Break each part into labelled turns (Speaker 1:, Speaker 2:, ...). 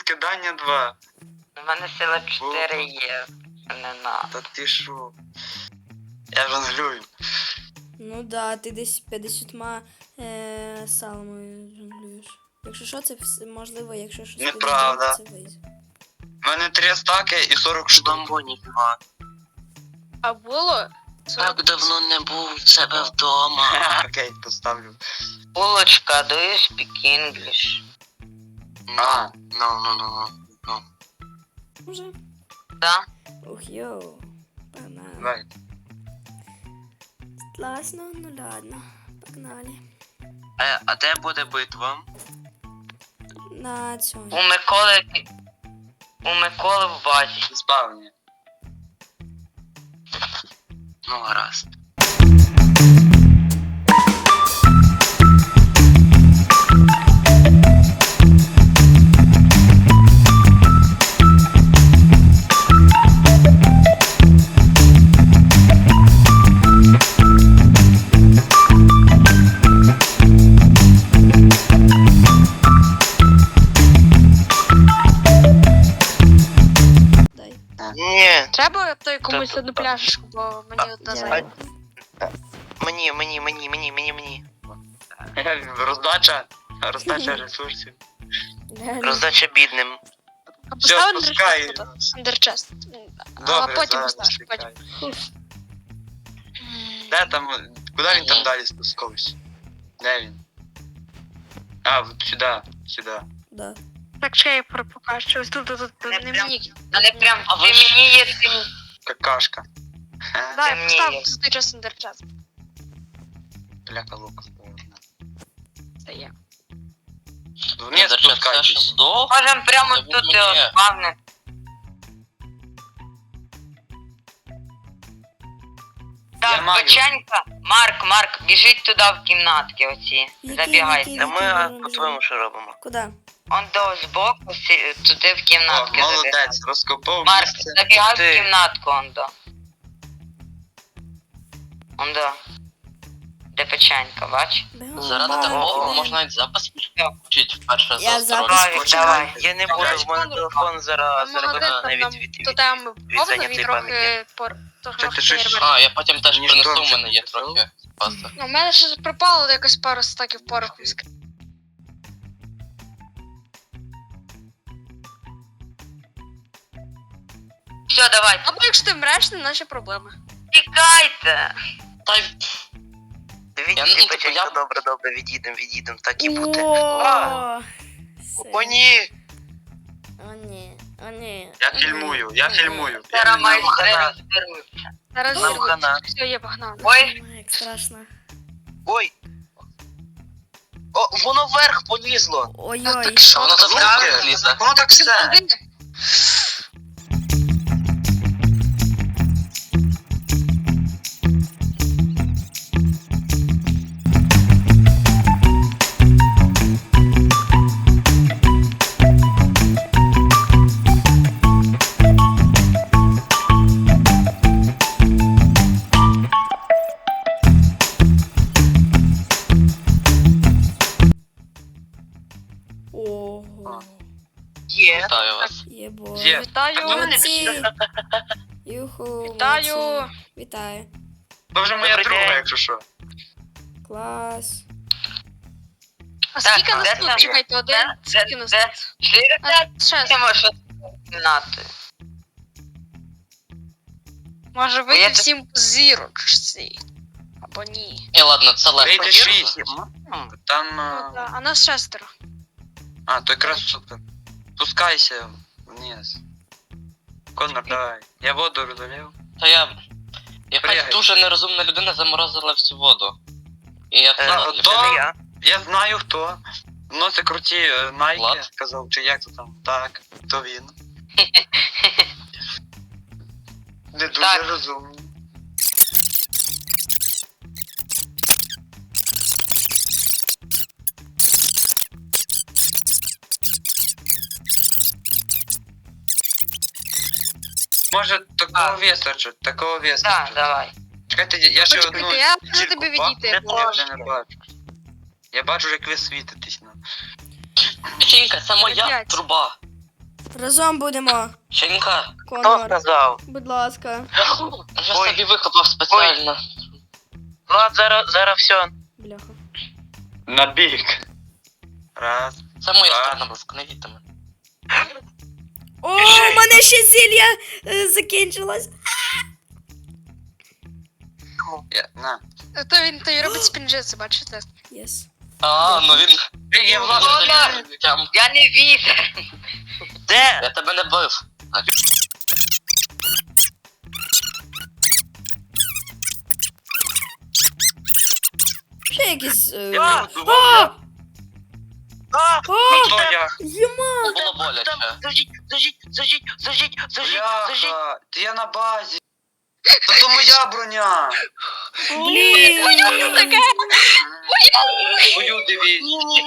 Speaker 1: розкидання 2.
Speaker 2: У мене сила 4 є. Не надо.
Speaker 1: Та ти шо? Я жонглюю.
Speaker 3: Ну да, ти десь 50 салами жонглюєш. Якщо що, це можливо, якщо щось
Speaker 1: Неправда.
Speaker 3: це вийде.
Speaker 1: У мене 3 стаки і 40 штук.
Speaker 4: Бомбоні 2.
Speaker 5: А було?
Speaker 4: Так давно не був в себе вдома.
Speaker 1: Окей, поставлю.
Speaker 2: Булочка, do you speak English?
Speaker 4: Ну.
Speaker 3: Уже?
Speaker 2: Да?
Speaker 3: Ух, йоу. Погнали.
Speaker 1: Давай.
Speaker 3: Класно, ну ладно. Погнали.
Speaker 4: А де буде битва?
Speaker 3: На цьому.
Speaker 2: У Миколи в базі.
Speaker 1: Спавні.
Speaker 4: Ну, гаразд.
Speaker 3: Дай.
Speaker 4: Ні,
Speaker 5: Треба той комусь одну пляшечку, бо мені одна
Speaker 3: Я-
Speaker 5: зайде.
Speaker 4: мені.
Speaker 1: Роздача ресурсів.
Speaker 3: Реально.
Speaker 4: Роздача бідним.
Speaker 5: А
Speaker 1: Все,
Speaker 5: постав
Speaker 1: спускай.
Speaker 5: андерчест. А
Speaker 1: Добре,
Speaker 5: потім
Speaker 1: зараз
Speaker 5: поставиш,
Speaker 1: спускай.
Speaker 5: потім.
Speaker 1: Де там, куди він там далі спускався? Де він? А, от сюди.
Speaker 3: Да.
Speaker 5: Так, ще я покажу. Ось тут,
Speaker 2: Не
Speaker 5: не
Speaker 2: прям.
Speaker 5: мені.
Speaker 2: Але прям,
Speaker 4: А
Speaker 2: ти
Speaker 4: ви ж-
Speaker 2: мені є тим.
Speaker 1: Какашка.
Speaker 5: Да,
Speaker 2: Це
Speaker 5: я
Speaker 2: мені
Speaker 5: постав
Speaker 2: є.
Speaker 5: тут час андерчест.
Speaker 1: Бляка лука.
Speaker 5: Це є.
Speaker 1: Вниз спускайтесь.
Speaker 2: Можем прямо
Speaker 4: Не
Speaker 2: тут
Speaker 4: буду,
Speaker 2: його
Speaker 4: ні.
Speaker 2: спавнити.
Speaker 1: Я
Speaker 2: Так,
Speaker 1: маю.
Speaker 2: печенька. Марк, біжіть туди в кімнатки оці. Забігайте.
Speaker 4: Та ми по-твоєму що робимо?
Speaker 3: Куди?
Speaker 2: Он до збоку, туди в
Speaker 1: О,
Speaker 2: кімнатки забігайте.
Speaker 1: молодець, розкопав
Speaker 2: Марк,
Speaker 1: місце.
Speaker 2: забігай
Speaker 4: Ти.
Speaker 2: в кімнатку, он до. Де печенька, бач?
Speaker 4: Заради такого можна навіть запис включити вперше
Speaker 3: Я
Speaker 4: за
Speaker 3: запис
Speaker 4: строчку.
Speaker 2: включаю. Давай.
Speaker 4: Я не буду, в мене телефон зараз буде навіть від
Speaker 5: То там повно,
Speaker 4: зайнятої
Speaker 5: він трохи
Speaker 1: Це ти щось-
Speaker 5: фейерверк.
Speaker 4: А, я потім теж
Speaker 1: Мені
Speaker 4: принесу,
Speaker 1: ж
Speaker 4: у мене є
Speaker 1: теж
Speaker 4: трохи паста.
Speaker 5: Ну, у мене ще пропало якось пару стаків пороху.
Speaker 2: Все, давай.
Speaker 5: Або якщо ти вмреш, не наші проблеми.
Speaker 2: Тікайте.
Speaker 4: Та й
Speaker 1: Дивіться,
Speaker 4: Я, ну, типу,
Speaker 1: печенька,
Speaker 4: я-
Speaker 1: добре, відійдем, так і буде.
Speaker 3: О,
Speaker 4: О, ні!
Speaker 3: О, ні.
Speaker 1: Я фільмую.
Speaker 2: Зараз майстри
Speaker 4: хана.
Speaker 2: розберуться.
Speaker 5: Зараз
Speaker 4: Нам хана.
Speaker 5: все, є погнали.
Speaker 2: Ой,
Speaker 3: Як страшно.
Speaker 4: Ой! О, воно вверх полізло!
Speaker 3: Ой-ой.
Speaker 5: Так що
Speaker 4: Воно
Speaker 5: там?
Speaker 4: там вверх лізе.
Speaker 1: Воно так все.
Speaker 3: Ого.
Speaker 4: Є. Вітаю вас.
Speaker 3: Єбо.
Speaker 1: Є.
Speaker 5: Вітаю.
Speaker 3: Молодці. Юху.
Speaker 5: Вітаю.
Speaker 3: молодці. Вітаю.
Speaker 1: Це вже моя
Speaker 4: Добрий
Speaker 1: друга,
Speaker 4: день.
Speaker 1: якщо що.
Speaker 3: Клас.
Speaker 5: А скільки
Speaker 2: Так,
Speaker 5: нас
Speaker 2: де
Speaker 5: тут?
Speaker 2: там?
Speaker 5: Чекайте, один. Скільки нас
Speaker 2: Де?
Speaker 5: тут?
Speaker 2: Чотири?
Speaker 5: А, ще.
Speaker 2: Ти можеш кімнати.
Speaker 5: Може
Speaker 2: Я
Speaker 5: вийти
Speaker 2: так-
Speaker 5: всім по зірочці. Або ні.
Speaker 4: І ладно, це легко.
Speaker 1: Вийде
Speaker 4: вірно?
Speaker 1: 6. Там...
Speaker 5: Ну, да. А нас шестеро.
Speaker 1: А, то якраз супер. Спускайся вниз. Конор, давай. Я воду розлив.
Speaker 4: Та якась
Speaker 1: Пригай.
Speaker 4: дуже нерозумна людина заморозила всю воду. І я це
Speaker 1: то я знаю хто. Носить круті найки,
Speaker 4: Влад?
Speaker 1: сказав, чи як то там. Так, то він. Не дуже
Speaker 2: Так.
Speaker 1: розумний. Може такого вистачить, такого
Speaker 2: Так,
Speaker 1: вистачить.
Speaker 2: давай.
Speaker 1: Чекайте, я ще
Speaker 5: Почекайте,
Speaker 1: одну
Speaker 5: я можу
Speaker 1: зірку
Speaker 5: тобі
Speaker 1: бачу.
Speaker 5: відійти, бо-
Speaker 1: Я не бачу. Я бачу, як ви світитесь.
Speaker 4: Печенька, це моя
Speaker 5: П'ять.
Speaker 4: труба.
Speaker 3: Разом будемо.
Speaker 4: Чинька,
Speaker 3: Конор,
Speaker 1: сказав?
Speaker 3: будь ласка.
Speaker 4: вже
Speaker 1: Ой.
Speaker 4: собі викопав спеціально.
Speaker 1: Влад, зараз все.
Speaker 3: Бляха.
Speaker 1: На бік. Раз.
Speaker 4: Це моя
Speaker 1: Так.
Speaker 4: сторона, буск, не їдьте мене.
Speaker 3: О, у мене ще зілля закінчилось.
Speaker 1: На.
Speaker 5: То він той робить спінджиці, бачите?
Speaker 3: Єс.
Speaker 4: А, ну він...
Speaker 1: Я Влад.
Speaker 2: Конор! Я не візер.
Speaker 1: Де?
Speaker 4: Я тебе не бив.
Speaker 3: Ще якісь...
Speaker 1: Я буду.
Speaker 3: А!
Speaker 1: А!
Speaker 3: А!
Speaker 1: Хто я?
Speaker 3: Єма!
Speaker 4: Було боляче.
Speaker 1: Зажіть. Бляха, ти я на базі. Та то моя броня.
Speaker 3: Блін!
Speaker 1: Твою дивись.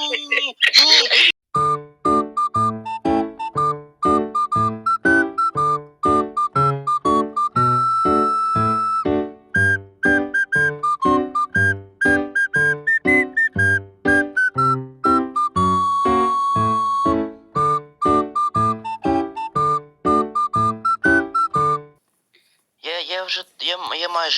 Speaker 4: Я майже...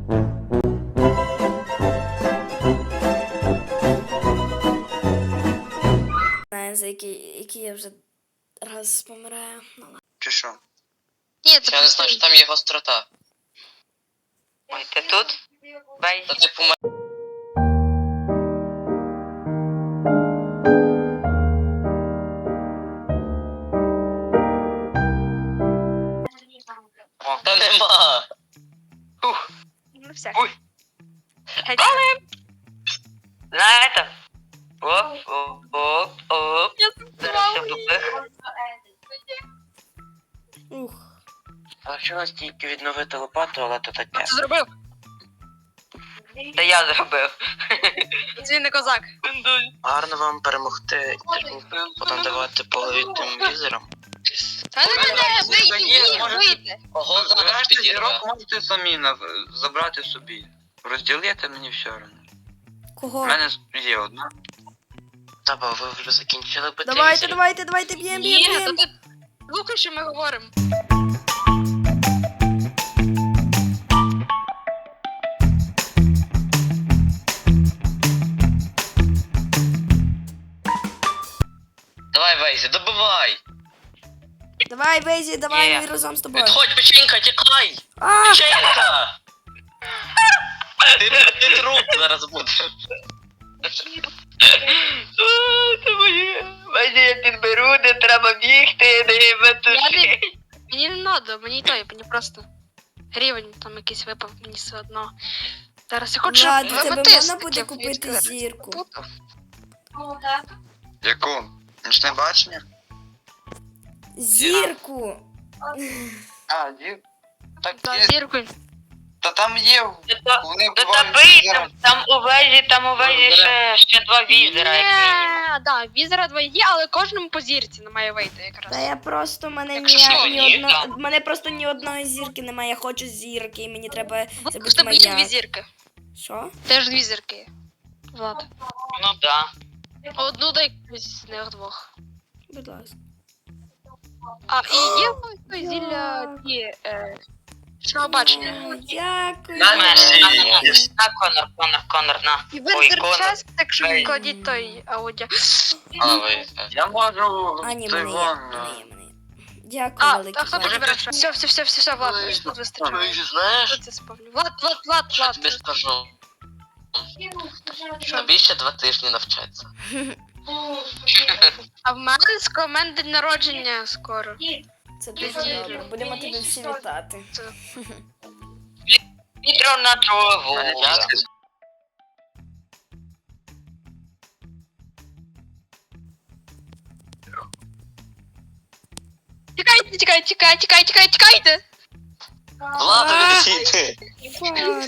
Speaker 3: Знаю, за який я вже раз помираю. Ну, ладно.
Speaker 1: Чи що?
Speaker 5: Ні, це
Speaker 4: Я не знаю, що там є гострота.
Speaker 2: Ой, ти тут? Бей.
Speaker 4: Та типу Та нема.
Speaker 5: Ну, все.
Speaker 2: Ой. Знаєте? Оп. Зараз все тупих.
Speaker 3: Ух.
Speaker 1: Залишилось тільки відновити лопату, але то таке.
Speaker 5: Це зробив.
Speaker 2: Та я зробив.
Speaker 5: Він не козак.
Speaker 1: Гарно вам перемогти і потім давати по голові тим візерам.
Speaker 5: Та не мене, вийти.
Speaker 4: Ого, зараз підірве.
Speaker 1: зірок можете самі забрати собі. Розділити мені все одно. У
Speaker 3: Кого?
Speaker 1: мене є одна. Та бо ви вже закінчили бити
Speaker 3: Давайте, б'єм.
Speaker 5: Ні, то ти слухай, що ми говоримо.
Speaker 4: Давай, Вейзі, добивай.
Speaker 3: Давай, Вейзі, давай,
Speaker 2: Є.
Speaker 3: ми разом з тобою.
Speaker 4: Відходь, печенька, тікай.
Speaker 3: А!
Speaker 4: Печенька. Ти труп зараз буде.
Speaker 2: Це моє. Бачите, я підберу, не треба бігти, не метуши.
Speaker 5: Мені не надо, мені той, мені просто рівень там якийсь випав, мені все одно. Зараз я хочу
Speaker 3: Влад, у тебе
Speaker 5: аметист
Speaker 3: можна буде
Speaker 5: такий
Speaker 3: купити
Speaker 5: відкрити.
Speaker 3: зірку?
Speaker 1: Яку? Нічне бачення?
Speaker 3: Зірку!
Speaker 1: А, зір. Так
Speaker 5: Да,
Speaker 1: є.
Speaker 5: зірку.
Speaker 1: Та там є. Вони
Speaker 2: Та
Speaker 1: бувають
Speaker 2: бий,
Speaker 1: візером.
Speaker 2: там у вежі ще два візера, як мінімум.
Speaker 5: Ні, да, візера два є, але кожному по зірці не має вийти якраз.
Speaker 3: Та я просто мене
Speaker 2: Якщо що, ні, там.
Speaker 3: мене просто ні одної зірки немає. Я хочу зірки, і мені треба. Це
Speaker 5: В
Speaker 3: буде
Speaker 5: тебе є дві
Speaker 3: моя.
Speaker 5: зірки.
Speaker 3: Що?
Speaker 5: Теж дві зірки є. Влад.
Speaker 2: Ну да.
Speaker 5: Одну дай якусь з них двох.
Speaker 3: Будь ласка.
Speaker 5: А, і є той зілля ті, що бачення.
Speaker 3: О, дякую.
Speaker 2: На,
Speaker 3: дякую.
Speaker 2: На, Конор, на.
Speaker 5: І
Speaker 2: Ой,
Speaker 5: ви
Speaker 2: Конор.
Speaker 5: час, так що
Speaker 2: Ей.
Speaker 5: кладіть той аудіо.
Speaker 4: А, Вейзі.
Speaker 1: Я можу.
Speaker 3: А, ні,
Speaker 1: той
Speaker 3: мене є.
Speaker 1: вон,
Speaker 3: Мене є. Дякую,
Speaker 5: А,
Speaker 3: велике.
Speaker 5: а хто
Speaker 3: Влад.
Speaker 5: підбере? Все, Влад, тут вистачає.
Speaker 4: Вейзі, знаєш?
Speaker 5: Що це спавлю? Влад,
Speaker 4: Я тобі скажу. Тобі ще 2 тижні навчаться.
Speaker 5: А в мене день народження скоро.
Speaker 3: Це дуже добре. Будемо тебе всі вітати.
Speaker 2: Вітро на траву.
Speaker 5: Тікайте!
Speaker 4: Ладно, відійди.
Speaker 3: Фара.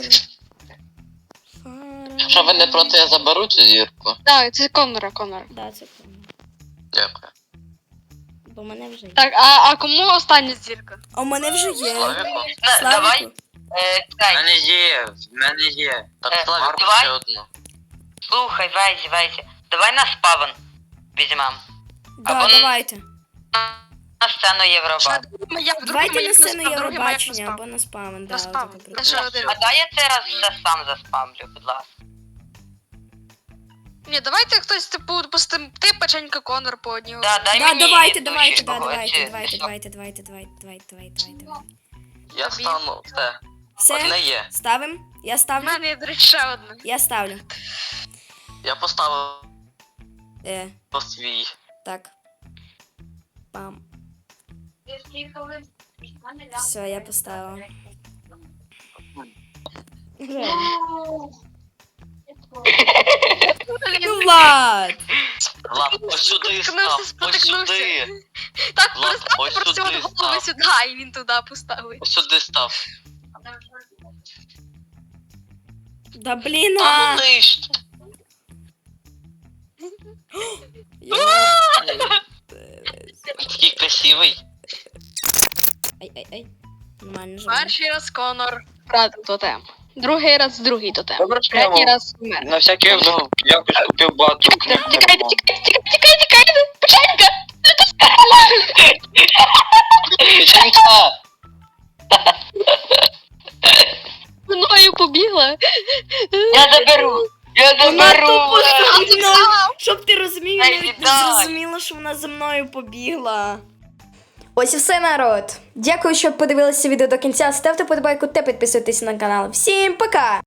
Speaker 4: Якщо ви не проти, я заберу цю зірку.
Speaker 5: Так, це Конора.
Speaker 3: Да, це правильно.
Speaker 4: Дякую.
Speaker 3: Бо в мене вже є.
Speaker 5: Так, а кому остання зірка?
Speaker 3: А у мене вже є.
Speaker 4: Славіку?
Speaker 2: Давай,
Speaker 3: Славіку.
Speaker 1: В
Speaker 2: чекай,
Speaker 1: мене є, в мене є.
Speaker 4: Так, Славіку
Speaker 2: давай.
Speaker 4: ще одну.
Speaker 2: слухай, Вейзі. Давай на спавн візьмем.
Speaker 3: Да,
Speaker 2: Або-
Speaker 3: давайте.
Speaker 2: на сцену Євробачення.
Speaker 3: Давайте на сцену Євробачення або на спам.
Speaker 5: На спам.
Speaker 2: А дай я цей раз все сам заспамлю, будь ласка.
Speaker 5: Ні, давайте хтось, типу, допустим, ти печенька Конор по одній.
Speaker 2: Да, дай
Speaker 3: Да,
Speaker 2: мені
Speaker 3: давайте,
Speaker 2: душі
Speaker 3: давайте, да,
Speaker 2: когось,
Speaker 3: давайте,
Speaker 2: чи-
Speaker 3: давайте, давайте, давайте, давайте, давайте, давайте.
Speaker 4: Я стану. Все.
Speaker 3: Все,
Speaker 4: Одне є.
Speaker 3: ставим? Я
Speaker 5: У
Speaker 3: ставлю?
Speaker 5: мене є, до речі, ще одне.
Speaker 3: Я ставлю.
Speaker 4: Я поставив свій.
Speaker 3: Так. Пам. Все, я поставила. Ну, Влад!
Speaker 4: Влад, ось сюди став. Ось
Speaker 5: Спотикнувся.
Speaker 4: сюди.
Speaker 5: Так,
Speaker 4: Влад,
Speaker 5: переставте
Speaker 4: ось
Speaker 5: просто
Speaker 4: сюди
Speaker 5: от голови
Speaker 4: став.
Speaker 5: сюди, і він туди поставить.
Speaker 4: Ось сюди став.
Speaker 3: Да блін,
Speaker 4: А
Speaker 3: а!
Speaker 4: ну нижче. Такий красивий.
Speaker 3: Ай. Нормально же.
Speaker 5: Перший раз Конор втратив тотем. Другий раз другий тотем.
Speaker 1: Добре, що
Speaker 5: Третій
Speaker 1: я
Speaker 5: раз вмер.
Speaker 1: на всякий випадок якось купив багато книг.
Speaker 5: Тікайте, печенька!
Speaker 1: Печенька!
Speaker 5: Мною побігла.
Speaker 2: Я заберу! Я
Speaker 3: Вона
Speaker 2: заберу!
Speaker 3: тупо
Speaker 2: Влад!
Speaker 3: за мною. Щоб ти розумів, я
Speaker 2: Ай,
Speaker 3: навіть не
Speaker 2: віддай.
Speaker 3: зрозуміла, що вона за мною побігла. Ось і все, народ. Дякую, що подивилися відео до кінця. Ставте подобайку та підписуйтесь на канал. Всім пока!